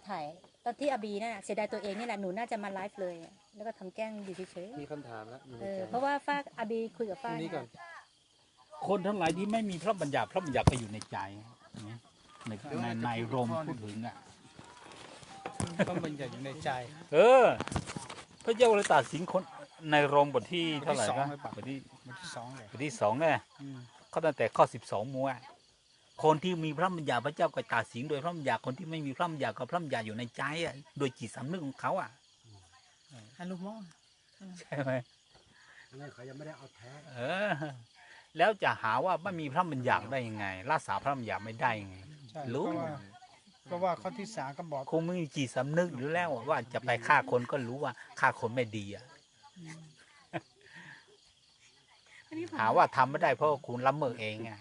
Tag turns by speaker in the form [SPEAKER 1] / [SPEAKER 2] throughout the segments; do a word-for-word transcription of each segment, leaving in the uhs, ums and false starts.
[SPEAKER 1] ถ่ายตอนที่อาบีน่ะเสียดายตัวเองนี่แหละหนูน่าจะมาไลฟ์เลยแล้วก็ทำแกล้งอยู่เฉย
[SPEAKER 2] มีคำถามแล้ว
[SPEAKER 1] ๆเออเพราะว่าฝ้าอาบีคุยกับฝ้า
[SPEAKER 2] นี้ก่อน
[SPEAKER 3] คนทั้งหลายที่ไม่มีพระบัญญัติพระบัญญัติก็อยู่ในใจนะในในในรมพูดถึงอ่ะ
[SPEAKER 4] ต้องบัญญัติอยู่ในใจ
[SPEAKER 3] เออ พระเจ้าเลยตัดสินคนในรมบทที่เท่าไหร่นะบทที่
[SPEAKER 4] บทที่สองเลย
[SPEAKER 3] บทที่สองเนี่ย
[SPEAKER 4] อืม
[SPEAKER 3] เขาตั้งแต่ข้อสิบสองมัวคนที่มีพระบัญญัติพระเจ้าก็ตัดสินโดยพระบัญญัติคนที่ไม่มีพระบัญญัติก็พระบัญญัติอยู่ในใจอ่ะโดยจิตสำนึกของเขาอ่ะ
[SPEAKER 4] ฮัลโหลมอ
[SPEAKER 3] ใช่ไหม
[SPEAKER 2] นั่นเขายังไม่ได้เอาแท้
[SPEAKER 3] เออ แล้วจะหาว่าไม่มีพระบัญญัติได้ยังไงรักษาพระบัญญัติไม่ได้ยังไง
[SPEAKER 4] ใช่
[SPEAKER 3] รู้
[SPEAKER 4] เพราะว่าเพราะว่าข้อที่สามก็บอก
[SPEAKER 3] คงไม่มีจิตสำนึกอยู่แล้วว่าจะไปฆ่าคนก็รู้ว่าฆ่าคนไม่ดีอ่ะหาว่าทำไม่ได้เพราะคุณละเมิดเองอ่ะ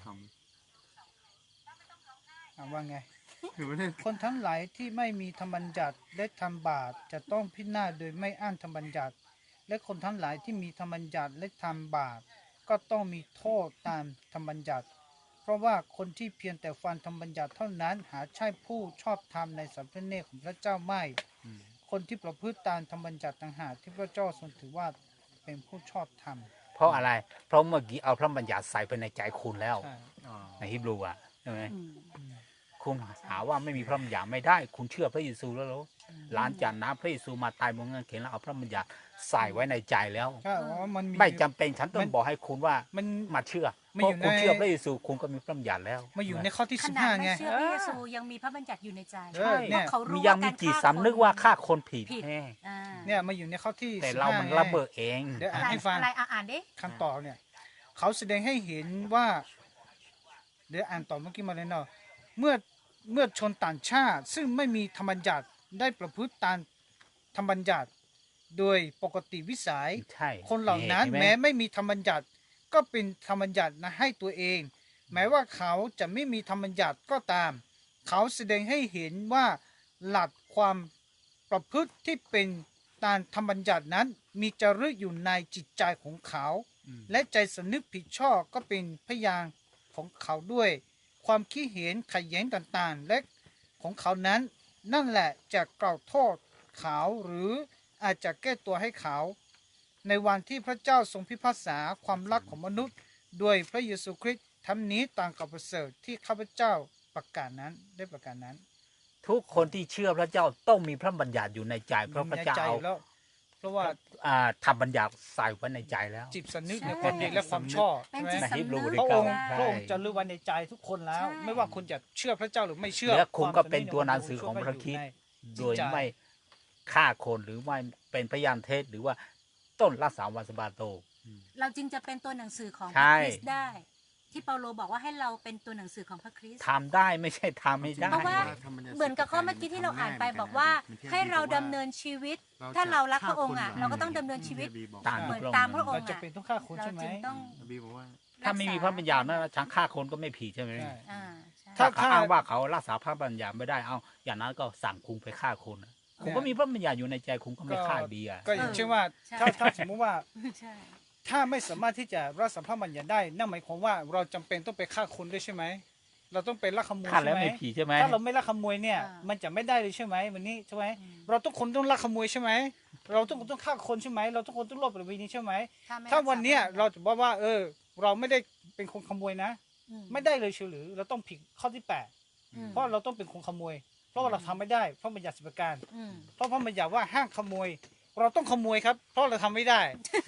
[SPEAKER 4] ถามว่าไง คนทั้งหลายที่ไม่มีธรรมบัญญัติและทำบาปจะต้องพินาศโดยไม่อ้างธรรมบัญญัติ และคนทั้งหลายที่มีธรรมบัญญัติและทำบาปก็ต้องมีโทษตามธรรมบัญญัติ เพราะว่าคนที่เพียงแต่ฟังธรรมบัญญัติเท่านั้นหาใช่ผู้ชอบธรรมในสัมพระเนตรของพระเจ้าไม่ คนที่ประพฤติตามธรรมบัญญัติต่างหากที่พระเจ้าทรงถือว่าเป็นผู้ชอบธรรม
[SPEAKER 3] เพราะอะไร เพราะเมื่อกี้เอาพระบัญญัติใส่ไปในใจคุณแล้ว
[SPEAKER 4] ใช่
[SPEAKER 3] ในฮิบรูอ่ะใช่ไหม
[SPEAKER 1] อืม
[SPEAKER 3] คุณหาว่าไม่มีพระบัญญัติไม่ได้ คุณเชื่อพระเยซูแล้วเหรอหลังจากน้ำพระเยซูมาตายบนเงินเข็นแล้วเอาพระบัญญัติใส่ไว้ในใจแล้ว
[SPEAKER 4] ใช่เพราะว่ามันมี
[SPEAKER 3] ไม่จำเป็นฉันต้อ
[SPEAKER 4] มั
[SPEAKER 3] ง
[SPEAKER 4] น
[SPEAKER 3] บอกให้คุณว่า
[SPEAKER 4] มัน
[SPEAKER 3] มาเชื่อ
[SPEAKER 4] มั
[SPEAKER 3] เพ
[SPEAKER 4] น
[SPEAKER 3] ราะ
[SPEAKER 4] อยู่ใน
[SPEAKER 3] คุณเชื่อพระเยซูคุณก็มีพระบัญญัติแล้ว
[SPEAKER 4] มาอยู่ในข้อที่
[SPEAKER 1] ข
[SPEAKER 4] สิบ
[SPEAKER 1] นา
[SPEAKER 4] ห้า
[SPEAKER 1] ด
[SPEAKER 4] ไง
[SPEAKER 1] ไม่เชื่อพระเยซูยังมีพระบัญญัติอยู่ในใจ
[SPEAKER 4] เออเนี่ย
[SPEAKER 1] เพราะเขารู้
[SPEAKER 3] ยั
[SPEAKER 1] ว่าง
[SPEAKER 3] มี
[SPEAKER 1] การ
[SPEAKER 3] จิต
[SPEAKER 1] ฆ่า
[SPEAKER 3] สำนึกว่าฆ่าคนผิด
[SPEAKER 1] ผิด
[SPEAKER 3] แน่
[SPEAKER 1] อ่า
[SPEAKER 4] เนี่ยมาอยู่ในข้อที่
[SPEAKER 3] แต่
[SPEAKER 4] สิบ
[SPEAKER 3] เรา
[SPEAKER 4] ห้า
[SPEAKER 3] มัน
[SPEAKER 4] ไง
[SPEAKER 3] ระเบิดเอง
[SPEAKER 4] เดี๋ยว
[SPEAKER 1] อะ
[SPEAKER 4] อ่าน
[SPEAKER 1] ไร
[SPEAKER 4] ให้ฟัง
[SPEAKER 1] อะไรอ่ะอ่านดิ
[SPEAKER 4] คำต่อเนี่ย เขาแสดงให้เห็นว่า เดี๋ยวอ่านต่อเมื่อกี้มาเลยเนาะเมื่อเมื่อชนต่างชาติ ซึ่งไม่มีธรรมบัญญัติได้ประพฤติตามธรรมบัญญัติ โดยปกติวิสัย
[SPEAKER 3] ใช่
[SPEAKER 4] คนเหล่านั้น
[SPEAKER 3] ห็ไห
[SPEAKER 4] แม้ไม่มีธรรมบัญญัติ ก็เป็นธรรมบัญญัตินะให้ตัวเอง แม้ว่าเขาจะไม่มีธรรมบัญญัติก็ตาม เขาแสดงให้เห็นว่าหลักความประพฤติที่เป็นตามธรรมบัญญัตินั้น มีจารึกอยู่ในจิตใจของเขา และใจสำนึกผิดชอบก็เป็นพยานของเขาด้วย ความคิดเห็นขัดแย้งต่างๆ และของเขานั้น นั่นแหละจะกล่าวโทษเขาหรืออาจจะแก้ตัวให้เขา ในวันที่พระเจ้าทรงพิพากษาความรักของมนุษย์ด้วยพระเยซูคริสต์ทำนี้ต่างกับประเสริฐที่ข้าพเจ้าประกาศนั้นได้ประกาศนั้น
[SPEAKER 3] ทุกคนที่เชื่อพระเจ้าต้องมีพระบัญญัติอยู่ในใจ เพราะพระเจ้า
[SPEAKER 4] ในใจ
[SPEAKER 3] เอา
[SPEAKER 4] แล้ว เพราะว่า
[SPEAKER 3] อ่าทำบัญญัติใส่ไว้ในใจแล้ว
[SPEAKER 4] จิตสำนึก
[SPEAKER 1] ใช่
[SPEAKER 4] ในความดีและความชอบ
[SPEAKER 1] เป็น
[SPEAKER 4] ใช่ไหม
[SPEAKER 1] จิต
[SPEAKER 3] ในฮิบรู
[SPEAKER 1] สำนึก
[SPEAKER 3] ใน
[SPEAKER 4] พระองค์
[SPEAKER 3] ใช่
[SPEAKER 4] พระองค์จะรู้ไว้ในใจทุกคนแล้ว
[SPEAKER 1] ใช่
[SPEAKER 4] ไม่ว่าคุณจะเชื่อพระเจ้าหรือไม่เชื่อ
[SPEAKER 3] และคุณก็
[SPEAKER 4] วามสำ
[SPEAKER 3] เป็นตัวหนังสือของพระคริสต์
[SPEAKER 4] อยู่ใน
[SPEAKER 3] โดยไม่ฆ่าคนหรือไม่เป็นพยานเท็จหรือว่าต้นรักษาวันสะบาโต
[SPEAKER 1] เราจึงจะเป็นตัวหนังสือของพ
[SPEAKER 3] ใช่
[SPEAKER 1] ระคริสต์ได้ ที่เปาโลบอกว่าให้เราเป็นตัวหนังสือของพระคริสต์
[SPEAKER 3] ทำได้ไม่ใช่ทำไม่ได้
[SPEAKER 1] เพราะว่า เหมือนกับข้อเมื่อกี้ที่เราอ่านไปบอกว่าให้เราดำเนินชีวิต ถ้าเรารักพระองค์อ่ะเราก็ต้องดำเนินชีวิต
[SPEAKER 3] ตาม
[SPEAKER 1] เหมือน
[SPEAKER 3] พระองค์
[SPEAKER 1] ตามพระอง
[SPEAKER 4] เรา
[SPEAKER 1] ค์
[SPEAKER 4] จะ
[SPEAKER 1] อ่ะ
[SPEAKER 4] เป็นต้องฆ่าคน
[SPEAKER 1] เรา
[SPEAKER 4] ใช่ไหม
[SPEAKER 1] จึงต้อง
[SPEAKER 2] บีบอกว่า
[SPEAKER 3] ถ้าไม่มีพระบัญญัตินะฉันฆ่าคนก็ไม่ผิดใช่ไหม
[SPEAKER 4] ใช่
[SPEAKER 1] อ่าใช่
[SPEAKER 4] ถ้า
[SPEAKER 3] ถ้าเขาอ้างว่าเขารักษาพระบัญญัติไม่ได้เอาอย่างนั้นก็สั่งคุงไปฆ่าคนนะคุณก็มีพระบัญญัติอยู่ในใจคุณก็ไม่ฆ่าดีอ่ะ
[SPEAKER 4] ก็อย่างเช่นว่า
[SPEAKER 1] ใช่
[SPEAKER 4] ถ้าถ้าสมมติว่า
[SPEAKER 1] ใช่
[SPEAKER 4] ถ้าไม่สามารถที่จะรักษาพระบัญญัติได้ นั่นหมายความว่าเราจำเป็นต้องไปฆ่าคนด้วยใช่ไหม เราต้องไปลักขโมย
[SPEAKER 3] ฆ่า
[SPEAKER 4] ใช่
[SPEAKER 3] แล้ว
[SPEAKER 4] ไหม
[SPEAKER 3] ไม่ผิดใช่ไหม
[SPEAKER 4] ถ้าเราไม่ลักขโมยเนี่ย
[SPEAKER 1] อ่ามั
[SPEAKER 4] มันจะไม่ได้เลยใช่ไหมวันนี้ใช่ไหม
[SPEAKER 1] อืม
[SPEAKER 4] เราทุกคนต้องลักขโมยใช่ไหม เราทุกคนต้องฆ่าคนใช่ไหม เราทุกคนต้องลบประเวณีใช่ไหม
[SPEAKER 1] ไม่
[SPEAKER 4] ถ้าวันเนี้ย
[SPEAKER 1] รักษา
[SPEAKER 4] เราจะบอกว่า เออ เราไม่ได้เป็นคนขโมยนะ
[SPEAKER 1] อืม
[SPEAKER 4] ไม่ได้เลยเชียวหรือ เราต้องผิดข้อที่แปด
[SPEAKER 1] อืม
[SPEAKER 4] เพราะเราต้องเป็นคนขโมย เพราะว่าเราทำไม่ได้เพราะบัญญัติสิบประการ
[SPEAKER 1] อืม
[SPEAKER 4] เพราะพระบัญญัติว่าห้ามขโมย เราต้องขโมยครับ เพราะเราทำไม่ได้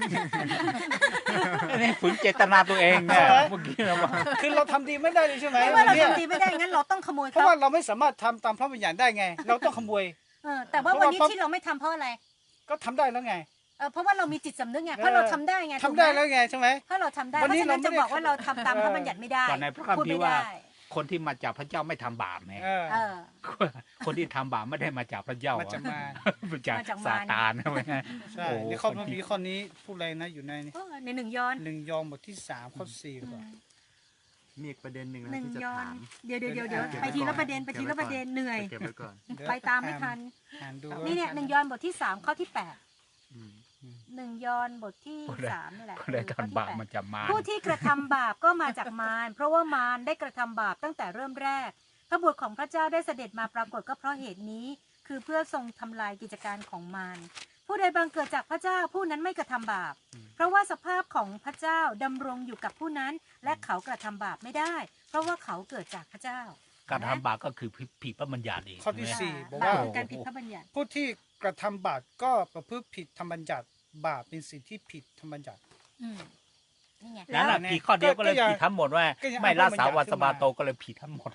[SPEAKER 3] นี่ฝืนเจตนาตัวเองเนี่ย
[SPEAKER 4] ใช่ไหม
[SPEAKER 3] เมื่อกี้เราว่า
[SPEAKER 4] คือเราทำดีไม่ได้เลยใช่ไหม
[SPEAKER 1] ไม่ว่าเรา
[SPEAKER 4] เนี่ย
[SPEAKER 1] ทำดีไม่ได้งั้นเราต้องขโมย
[SPEAKER 4] เพ
[SPEAKER 1] เขา
[SPEAKER 4] ราะว่าเราไม่สามารถทำตามพระบัญญัติได้ไง เราต้องขโมย
[SPEAKER 1] เออแต่ว่า
[SPEAKER 4] เพราะ
[SPEAKER 1] วัน
[SPEAKER 4] ว่า
[SPEAKER 1] นี้
[SPEAKER 4] เพราะ
[SPEAKER 1] ที่เราไม่ทำเพราะอะไร
[SPEAKER 4] ก็ทำได้แล้วไง
[SPEAKER 1] เออเพราะว่าเรามีจิตสำนึกไงเพราะเราทำได้ไง
[SPEAKER 4] ทำ
[SPEAKER 1] ถูกหม
[SPEAKER 4] ได้แล้วไงใช่ไหม
[SPEAKER 1] ถ้าเราทำได้
[SPEAKER 4] วัน
[SPEAKER 1] เพราะ
[SPEAKER 4] นี้
[SPEAKER 1] ฉะนั้น
[SPEAKER 4] เรา
[SPEAKER 1] จะ
[SPEAKER 4] ไม่ได้
[SPEAKER 1] บอกว่าเราทำตาม
[SPEAKER 4] เออ
[SPEAKER 1] พระบัญญัติไม่ได้
[SPEAKER 3] ก่อนในพระคัม
[SPEAKER 1] พูด
[SPEAKER 3] ภี
[SPEAKER 1] ไม่
[SPEAKER 3] ร์ว่า
[SPEAKER 1] ได้
[SPEAKER 3] คนที่มาจากพระเจ้าไม่ทำบาปไง
[SPEAKER 4] เออ
[SPEAKER 1] เออ
[SPEAKER 3] คนที่ทำบาปไม่ได้มาจากพระเจ้า
[SPEAKER 4] มาจากมาร
[SPEAKER 3] มาจาก
[SPEAKER 1] มาจาก
[SPEAKER 3] ซาม
[SPEAKER 1] าร
[SPEAKER 3] ตานใช่ไหม
[SPEAKER 4] ใช่
[SPEAKER 3] โอ้
[SPEAKER 4] ในข้อพระคัมภีร์ข้อนี้พูดอะไรนะอยู่ใน
[SPEAKER 1] เออในหนึ่งยอห์น
[SPEAKER 4] หนึ่งยอห์นบทที่สามข้อสี่หรือเปล่า
[SPEAKER 2] มีอีกประเด็นหนึ่งนะ
[SPEAKER 1] หนึ่ง
[SPEAKER 2] ที่จะ
[SPEAKER 1] ยอห์
[SPEAKER 2] ถาน ม
[SPEAKER 1] เดี๋ยวเดี๋ยวเดี๋ยวเดี๋ยว
[SPEAKER 4] เก็บ
[SPEAKER 1] ไป
[SPEAKER 4] ไว้
[SPEAKER 1] ที
[SPEAKER 4] ก่
[SPEAKER 1] ละ
[SPEAKER 4] อน
[SPEAKER 1] ประเด็นไปทีละประเด็นเหนื่อย
[SPEAKER 2] เก็บไว้ก่อน
[SPEAKER 4] เดี๋ยว
[SPEAKER 1] ไปตามไม่ทัน
[SPEAKER 4] อ่านดู
[SPEAKER 1] นี่เนี่ยหนึ่งยอห์นบทที่สามข้อที่แปด
[SPEAKER 2] อืม
[SPEAKER 1] หนึ่งยอห์นบทที่สามนี่แหละ
[SPEAKER 3] คนได้
[SPEAKER 1] เออข้อที่
[SPEAKER 3] ทำบาป
[SPEAKER 1] แปด
[SPEAKER 3] มาจากมาร
[SPEAKER 1] ผู้ที่กระทำบาปก็มาจากมารเพราะว่ามารได้กระทำบาปตั้งแต่เริ่มแรกพระบุตรของพระเจ้าได้เสด็จมาปรากฏก็เพราะเหตุนี้ คือเพื่อทรงทำลายกิจการของมารผู้ใดบังเกิดจากพระเจ้าผู้นั้นไม่กระทำบาปเพราะว่าสภาพของพระเจ้าดำรงอยู่กับผู้นั้นและเขากระทำบาปไม่ได้ เพราะว่าเขาเกิดจากพระเจ้า
[SPEAKER 3] การทำบาปก็คือผิดพระบัญญัติเอง
[SPEAKER 4] ข้อที่
[SPEAKER 3] ใช่ไหม
[SPEAKER 4] สี่บอก
[SPEAKER 1] บาป
[SPEAKER 4] ว่า
[SPEAKER 1] คือการผิดพระบัญญัติ
[SPEAKER 4] ผู้ที่กระทำบาปก็ประพฤติผิดธรรมบัญญัติบาปเป็นสิ่งที่ผิดธรรมบัญญัติ
[SPEAKER 1] อืมนี่ไง
[SPEAKER 3] นั่นแหละ
[SPEAKER 4] แล้ว
[SPEAKER 3] ผิดข้อเดียวก็เลย
[SPEAKER 4] ก็ยัง
[SPEAKER 3] ผิดทั้งหมดว่า
[SPEAKER 4] ก็ยัง
[SPEAKER 3] ไม่รักษา
[SPEAKER 4] เอาพระบัญญัติ
[SPEAKER 3] วัน
[SPEAKER 4] ขึ้
[SPEAKER 3] ส
[SPEAKER 4] น
[SPEAKER 3] บา
[SPEAKER 4] มา
[SPEAKER 3] โตก็เลยผิดทั้งหมด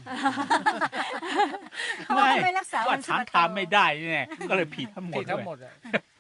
[SPEAKER 1] เพราะว่าไม่รักษา
[SPEAKER 3] ว่า
[SPEAKER 1] วัน
[SPEAKER 3] ฉัน
[SPEAKER 1] สะบาโต
[SPEAKER 3] ทำไม่ได้เนี่ยก็เลยผิดทั้งหมด
[SPEAKER 4] ผิดทั้งหม
[SPEAKER 3] เลย
[SPEAKER 4] ดอะ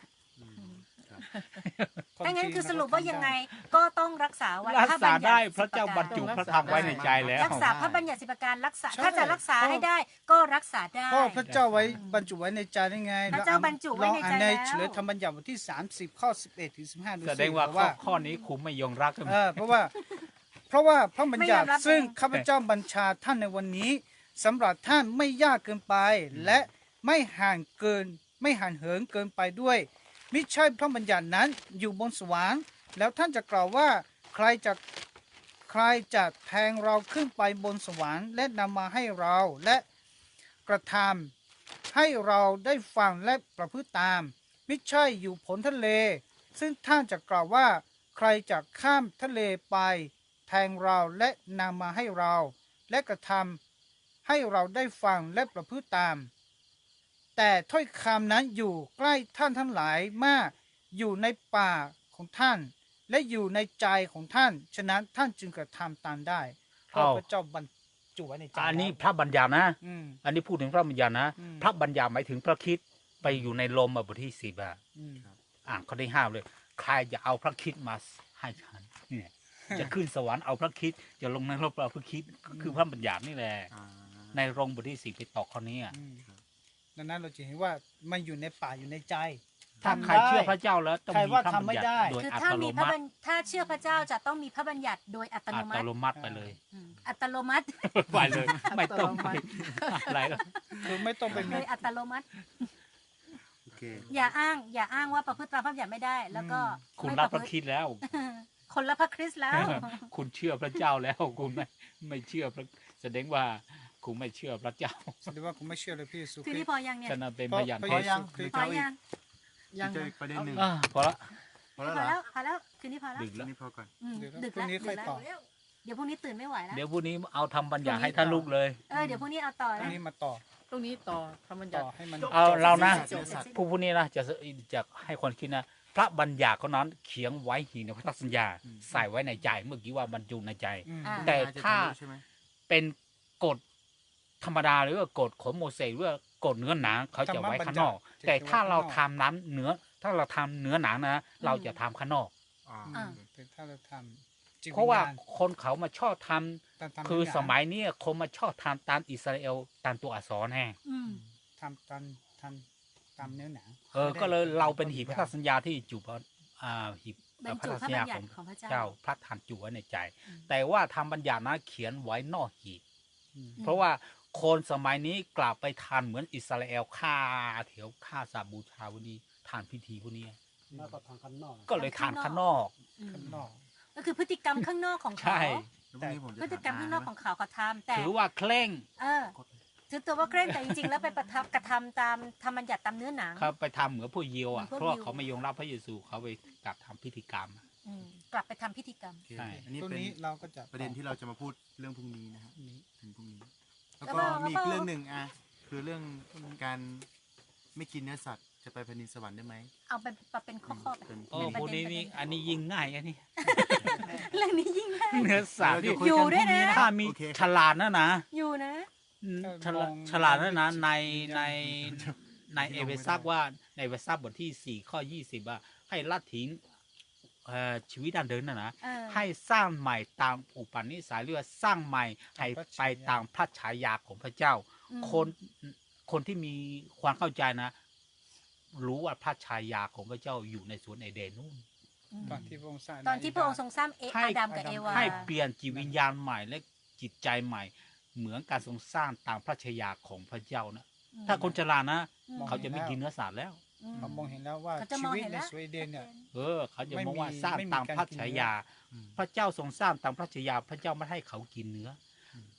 [SPEAKER 1] ถ้างั้นคือสรุปว่ายังไงก็ต้องรักษาวัน
[SPEAKER 3] รัก
[SPEAKER 1] พระ
[SPEAKER 3] ษา
[SPEAKER 1] บัญญัติ
[SPEAKER 3] ได้พระเจ้า
[SPEAKER 1] สิ
[SPEAKER 3] บรรจุพระธรรมไว้ในใจแล้ว
[SPEAKER 1] รักษาพระบัญญัติสิบประการรักษา
[SPEAKER 4] ใช่
[SPEAKER 1] ถ้าจะรักษาให้ได้ก็รักษาได้
[SPEAKER 4] เพราะพระเจ้าไว้บรรจุไว้ในใจได้ไง
[SPEAKER 1] พระเจ้าบรรจุไว้ในใจ
[SPEAKER 4] ลองอ่านใน
[SPEAKER 1] แล้ว
[SPEAKER 4] เฉลยธรรมบัญญัติบทที่สามสิบข้อสิบเอ็ดถึงสิบห้าดู
[SPEAKER 3] แส
[SPEAKER 4] สิ
[SPEAKER 3] ดงว่า
[SPEAKER 4] บอก
[SPEAKER 3] ข้อ
[SPEAKER 4] ว่า
[SPEAKER 3] ข้อนี้คุมไม่ยงรักใช่ไหม
[SPEAKER 4] เออเพราะว่าเพราะว่าพระบัญญัติ
[SPEAKER 1] ไม่ยอมรับ
[SPEAKER 4] ซึ่ง
[SPEAKER 1] เอง
[SPEAKER 4] ข้าพเจ้าบัญชาท่านในวันนี้สำหรับท่านไม่ยากเกินไป และไม่ห่างเกินไม่ห่างเหินเกินไปด้วยมิใช่พระบัญญัตินั้นอยู่บนสวรรค์แล้วท่านจะกล่าวว่าใครจะใครจะแทงเราขึ้นไปบนสวรรค์และนำมาให้เราและกระทำให้เราได้ฟังและประพฤติตามมิใช่อยู่ผลทะเล ซึ่งท่านจะกล่าวว่าใครจะข้ามทะเลไปแทงเราและนำมาให้เรา และกระทำให้เราได้ฟังและประพฤติตาม แต่ถ้อยคำนั้นอยู่ใกล้ท่านทั้งหลายมากอยู่ในปากของท่าน และอยู่ในใจของท่าน ฉะนั้นท่านจึงกระทำตามได้เพราะพระเจ้าบรรจุไว้ในใจ
[SPEAKER 3] อันนี้
[SPEAKER 4] แล้ว
[SPEAKER 3] พระบัญญัตินะ
[SPEAKER 4] อืม
[SPEAKER 3] อันนี้พูดถึงพระบัญญัตินะ
[SPEAKER 4] อืม
[SPEAKER 3] พระบัญญัติหมายถึงพระคริดไปอยู่ในลมอ่ะบทที่สิบอ่ะ
[SPEAKER 4] อืม
[SPEAKER 3] อ่านข้อที่ห้าเลย ใครจะเอาพระคริดมาให้ฉันเนี่ยจะขึ้นสวรรค์เอาพระคริดจะลงในโลกเอาพระคริดก็คือพระบัญญัตินี่แหละ
[SPEAKER 2] อ่า
[SPEAKER 3] ในโรงบทที่สี่ไปต่อข้อนี้อ่ะ
[SPEAKER 4] อืมดังนั้นเราจะเห็นว่ามันอยู่ในป่าอยู่ในใจ
[SPEAKER 3] ถ้าใครเชื่อพระเจ้าแล้วต้อง
[SPEAKER 4] ใคร
[SPEAKER 3] มี
[SPEAKER 4] ว่า
[SPEAKER 3] พระ
[SPEAKER 4] ทำ
[SPEAKER 3] บัญ
[SPEAKER 4] ไม่
[SPEAKER 3] ญัติ
[SPEAKER 4] ได้
[SPEAKER 3] โดย
[SPEAKER 1] คือ
[SPEAKER 3] อั
[SPEAKER 1] ถ้า
[SPEAKER 3] ตโน
[SPEAKER 1] มีพระ
[SPEAKER 3] มั
[SPEAKER 1] บั
[SPEAKER 3] ติ
[SPEAKER 1] ญถ้าเชื่อพระเจ้าจะต้องมีพระบัญญัติโดยอัตโน
[SPEAKER 3] อั
[SPEAKER 1] มั
[SPEAKER 3] ต
[SPEAKER 1] ติ
[SPEAKER 3] โนมัติไปเลย
[SPEAKER 1] อืมอัตโนมัติ
[SPEAKER 3] ไปเลย ไม่ต้องไปอะไรหรอก
[SPEAKER 4] คือไม่ต้องไป
[SPEAKER 1] โด
[SPEAKER 4] มี
[SPEAKER 1] ยอัตโนมัติ
[SPEAKER 2] โอเค
[SPEAKER 1] อย่าอ้าง อย่าอ้างว่าประพฤติตามพระบัญญัติไม่ได้ แล้วก็
[SPEAKER 3] คุณ
[SPEAKER 1] ไม่
[SPEAKER 3] รับพ
[SPEAKER 1] ป
[SPEAKER 3] ระ
[SPEAKER 1] ระพฤ
[SPEAKER 3] คริ
[SPEAKER 1] ติ
[SPEAKER 3] ดแล้ว
[SPEAKER 1] คนละพระคริสต์แล้ว
[SPEAKER 3] คุณเชื่อพระเจ้าแล้วคุณไม่ไม่เชื่อพระแสดงว่าคุณไม่เชื่อพระเจ้า
[SPEAKER 4] แสดงว่าผมไม่เชื่อเลยพี่สุ
[SPEAKER 1] ที
[SPEAKER 4] คริ
[SPEAKER 1] นี้
[SPEAKER 4] สต์
[SPEAKER 1] พอยังเนี่ย
[SPEAKER 3] ฉะนั้นเป็น
[SPEAKER 4] เพ
[SPEAKER 3] พ
[SPEAKER 4] ราะ
[SPEAKER 3] ยาน
[SPEAKER 4] พระ
[SPEAKER 3] เท็จ
[SPEAKER 4] เยซูคริสต์
[SPEAKER 1] พอยัง
[SPEAKER 2] ยังเจออีกประเด็นหนึ่ง
[SPEAKER 3] อ่าพอละ
[SPEAKER 2] พอ
[SPEAKER 1] พ
[SPEAKER 2] แล้ว
[SPEAKER 1] อ
[SPEAKER 2] เหรอ
[SPEAKER 1] แล้วพอแล้วคืนนี้พอแล้ว
[SPEAKER 3] ดึก
[SPEAKER 2] ที
[SPEAKER 3] แล้ว
[SPEAKER 2] นี้พอก่อน
[SPEAKER 1] อืม
[SPEAKER 4] เดี๋ยว
[SPEAKER 1] ดึก
[SPEAKER 4] พรุ่
[SPEAKER 1] แล้ว
[SPEAKER 4] งนี้ค่อย
[SPEAKER 1] ดึก
[SPEAKER 4] ต่อ
[SPEAKER 1] แล้วเดี๋ยวพรุ่งนี้ตื่นไม่ไหวแล้ว
[SPEAKER 3] เดี๋ยวพรุ่งนี้เอาทำบัญญัติให้ท่านลูกเลย
[SPEAKER 1] เออเดี๋ยวพรุ่งนี้เอาต่อ
[SPEAKER 4] อั
[SPEAKER 1] นะ
[SPEAKER 4] นนี้มาต่อ
[SPEAKER 5] ตรงนี้ต่อพระบัญญั
[SPEAKER 4] ต่
[SPEAKER 5] ติ
[SPEAKER 4] อให้มัน
[SPEAKER 3] เอาเรานะ
[SPEAKER 1] จบเสร็จสิ้น
[SPEAKER 3] ผู้ผู้นี้นะจะจะให้คนคิดนะ พระบัญญัติเขานั้นเขียนไว้หีในพันธสัญญา ใส่ไว้ในใจเมื่อกี้ว่าบรรจุในใจ
[SPEAKER 4] อืม
[SPEAKER 1] อ่า
[SPEAKER 3] แต่ถ้า
[SPEAKER 2] จะทะลุใช่ไหม
[SPEAKER 3] เป็นกฎธรรมดาหรือว่ากฎของโมเสสหรือว่ากฎเนื้อหนังเขาจะไว้ข้างนอก แต่ถ้าเราทำน้ำเนื้อ ถ้าเราทำเนื้อหนังนะ เราจะทำข้างนอก
[SPEAKER 2] อ่า
[SPEAKER 1] อ่า
[SPEAKER 4] แต่ถ้าเราทำจิต
[SPEAKER 3] เพราะว่า
[SPEAKER 4] ญญณ
[SPEAKER 3] คนเขามาชอบทำ
[SPEAKER 4] ตามตาม
[SPEAKER 3] คือ
[SPEAKER 4] เนื้หนัง
[SPEAKER 3] สมัยเนี้ยคนมาชอบทำตามอิสราเอลตามตัวอักษรแห้ง
[SPEAKER 1] อืม
[SPEAKER 4] ทำตามทำตามเนื้อหนัง
[SPEAKER 3] เออก็เลยเราเป็นหีบพันธสัญญาที่จุบอ่าหีบบ
[SPEAKER 1] รร
[SPEAKER 3] พัน
[SPEAKER 1] จุ
[SPEAKER 3] ธ
[SPEAKER 1] พระ
[SPEAKER 3] สัญ
[SPEAKER 1] บั
[SPEAKER 3] ญา
[SPEAKER 1] ญญั
[SPEAKER 3] ขอ
[SPEAKER 1] ติ
[SPEAKER 3] ง
[SPEAKER 1] ของพระเจ้า
[SPEAKER 3] เจ้าพระทานจุไว้ในใจ
[SPEAKER 1] อืม
[SPEAKER 3] แต่ว่าทำบัญญัตินะเขียนไว้นอกหีบ
[SPEAKER 4] อืม
[SPEAKER 3] เพราะว่าคนสมัยนี้กลับไปทานเหมือนอิสราเอลฆ่าเถียวฆ่าสาบูชาวันนี้ทานพิธีพวกนี้
[SPEAKER 2] แล้วก็ทางข้างนอก
[SPEAKER 3] ก็เลยทานข้างนอก
[SPEAKER 1] อืม
[SPEAKER 4] ข้างนอก
[SPEAKER 1] ก็คือพฤติกรรมข้างนอกของ
[SPEAKER 3] ใช่
[SPEAKER 1] เขา
[SPEAKER 2] แล้วพรุ่งนี้ผมจะ
[SPEAKER 1] พฤติกรรมข้างนอกของเขาเขาทำแต่
[SPEAKER 3] ถือว่าเคร่ง
[SPEAKER 1] เออถือตัวว่าเคร่งแต่จริงๆแล้วไปประทับกระทำตามธรรมบัญญัติตามเนื้อหนัง
[SPEAKER 3] เขาไปทำเหมือนพวกยิวอ่ะ
[SPEAKER 1] เหมือนพวก
[SPEAKER 3] เพราะว่า
[SPEAKER 1] ยิว
[SPEAKER 3] เขาไม่ยอมรับพระเยซูเขาไปกลับทำพิธีกรรม
[SPEAKER 1] อืมกลับไปทำพิธีกรรม
[SPEAKER 2] โอเค
[SPEAKER 3] ใช่
[SPEAKER 2] อันนี้
[SPEAKER 4] ตรง
[SPEAKER 2] เป็น
[SPEAKER 4] นี้เราก็จะ
[SPEAKER 2] ประเด็นที่เราจะมาพูดเรื่องพรุ่งนี้นะครับ
[SPEAKER 4] นี้
[SPEAKER 2] ถึงพรุ่งนี้ แล้ว
[SPEAKER 1] แล้ว
[SPEAKER 2] ก็
[SPEAKER 1] ก็
[SPEAKER 2] มีอีกเรื่องหนึ่งอ่ะคือเรื่องการไม่กินเนื้อสัตว์จะไปแผ่นดินสวรรค์ได้ไหม
[SPEAKER 1] เอาเป็นเป็นข้อๆไป
[SPEAKER 2] เป็น
[SPEAKER 3] โอ้
[SPEAKER 1] เป็น
[SPEAKER 3] พวกนี้นี่อันนี้ยิ่งง่ายอันนี้
[SPEAKER 1] เรื่องนี้ยิ่งง่าย
[SPEAKER 3] เนื้อสัตว์
[SPEAKER 2] เดี๋
[SPEAKER 3] นี่
[SPEAKER 2] ยวคุย
[SPEAKER 1] อยู่
[SPEAKER 2] กัน
[SPEAKER 1] ด้วยนะ
[SPEAKER 2] พรุ่ง
[SPEAKER 3] ถ้ามี
[SPEAKER 2] โอเค
[SPEAKER 3] ฉลาดนะนะ
[SPEAKER 1] อยู่นะ
[SPEAKER 3] ฉลาดฉลาดนะนะในในในเอเวซักว่าในเอเวซักบทที่สี่ข้อยี่สิบว่าให้ละทิ้งเอ่อชีวิตดันเดินนะนะ
[SPEAKER 1] เออ
[SPEAKER 3] ให้สร้างใหม่ตามอุปนิสัยเรือว่าสร้างใหม่ให้ไปตามพระฉายาของพระเจ้า
[SPEAKER 1] อืม
[SPEAKER 3] คนคนที่มีความเข้าใจนะ รู้ว่าพระฉายาของพระเจ้าอยู่ในสวนเอเดนนู่น
[SPEAKER 1] อืม
[SPEAKER 4] ตอนที่พระองค์สร้าง
[SPEAKER 1] ตอนที่พระองค์ทรงสร้างเอ
[SPEAKER 3] ให้
[SPEAKER 1] อาดัมกับเอวา
[SPEAKER 3] ให้เปลี่ยนจิตวิญญาณใหม่และจิตใจใหม่ เหมือนการทรงสร้างตามพระฉายาของพระเจ้านะ
[SPEAKER 1] อืม
[SPEAKER 3] ถ้าคนฉลาดนะ
[SPEAKER 1] อืม
[SPEAKER 3] เขาจะไม่กินเนื้อสัตว์แล้ว
[SPEAKER 1] อืม
[SPEAKER 4] เขามองเห็นแล้วว่า
[SPEAKER 1] เขาจะ
[SPEAKER 4] ชี
[SPEAKER 1] มอง
[SPEAKER 4] วิต
[SPEAKER 1] เห็น
[SPEAKER 4] ใน
[SPEAKER 1] แล้ว
[SPEAKER 4] สวีเดนเนี่ย
[SPEAKER 3] เออ เขาจะ
[SPEAKER 4] ไม่
[SPEAKER 3] มองว่า
[SPEAKER 4] มี
[SPEAKER 3] สร้าง
[SPEAKER 4] ไม่มี
[SPEAKER 3] ตาม
[SPEAKER 4] การ
[SPEAKER 3] พระ
[SPEAKER 4] กิน
[SPEAKER 3] ฉา
[SPEAKER 4] เนื้อ
[SPEAKER 3] ยา
[SPEAKER 2] อืม
[SPEAKER 3] พระเจ้าทรงสร้างตามพระฉายา พระเจ้าไม่ให้เขากินเนื้ออ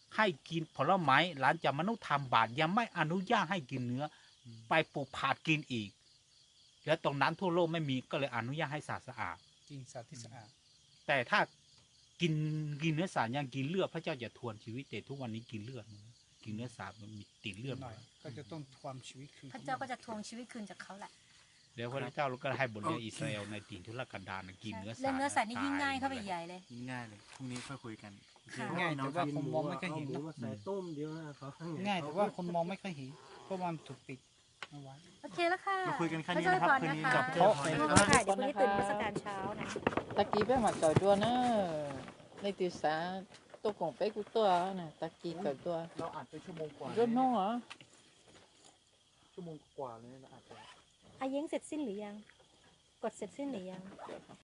[SPEAKER 3] ให้กินผลไม้หลังจากมนุษย์ทำบาปยังไม่อนุญาตให้กินเนื้ออไปปลูกผักกินอีกแล้วตรงนั้นทั่วโลกไม่มีก็เลยอนุญาตให้สัตว์สะอาด
[SPEAKER 4] กินสัตว์ที่สะอาด
[SPEAKER 3] แต่ถ้ากินกินเนื้อสัตว์ยังกินเลือดพระเจ้าจะทวนชีวิตแต่ทุกวันนี้กินเลือดนะกินเนื้อสัตว์มันมีติดเลือด
[SPEAKER 4] หน่อย
[SPEAKER 3] มา
[SPEAKER 4] ก็จะต้องความชีวิตคืน
[SPEAKER 1] พระเจ้าก็จะทวงชีวิตคืนจากเขาแหละ
[SPEAKER 3] เดี๋ยวพระเจ้าก็ให้บทเรียนอิสราเอลในถิ่นทุรกันดารนะกินเนื้อสัตว์
[SPEAKER 1] เรื่องเนื้อสัตว์นี่ยิ่ง
[SPEAKER 3] ต
[SPEAKER 1] ง่ายเข้าไป
[SPEAKER 3] หมดล
[SPEAKER 1] ใหญ่เลย
[SPEAKER 2] ง่ายเลยพรุ่งนี้ค่อยคุยกัน
[SPEAKER 1] ค่ะ
[SPEAKER 4] ง่ายแต่ว่าคนมองไม่ค่อยเห็น
[SPEAKER 5] หมู
[SPEAKER 4] นะ
[SPEAKER 5] มาใส่ต้มเดียวนะเขาข้างใน
[SPEAKER 4] ง่ายแต่ว่าคนมองไม่ค่อยเห็นเพราะว่ามันถูกปิดเอาไว้
[SPEAKER 1] โอเคแล้วค่ะ
[SPEAKER 2] มาคุยกันแค่นี้
[SPEAKER 1] พ
[SPEAKER 2] นะครับ
[SPEAKER 1] เจ้า
[SPEAKER 2] คืนนี้
[SPEAKER 1] ก่อ
[SPEAKER 2] กับ
[SPEAKER 1] นะคะ
[SPEAKER 2] เจ้าพร
[SPEAKER 1] ลู
[SPEAKER 2] นะ
[SPEAKER 1] ก
[SPEAKER 2] ครับ
[SPEAKER 1] ค่ะเดี๋ยวพรุ่งนี้ตื่นมาสการเช้านะ
[SPEAKER 6] ตะกี้ไปมาจ่อยตัวเนอะในตีสาตัวของไปกูตัวน่ะตะกี้จ่อยตัว
[SPEAKER 2] เราอัดไปชั่วโมงกว่า
[SPEAKER 6] รุ่นน้องเหรอ
[SPEAKER 2] ชั่วโมงกว่าเลยเราอัดไป
[SPEAKER 1] อาเย้งเสร็จสิ้นหรือยัง กดเสร็จสิ้นหรือยัง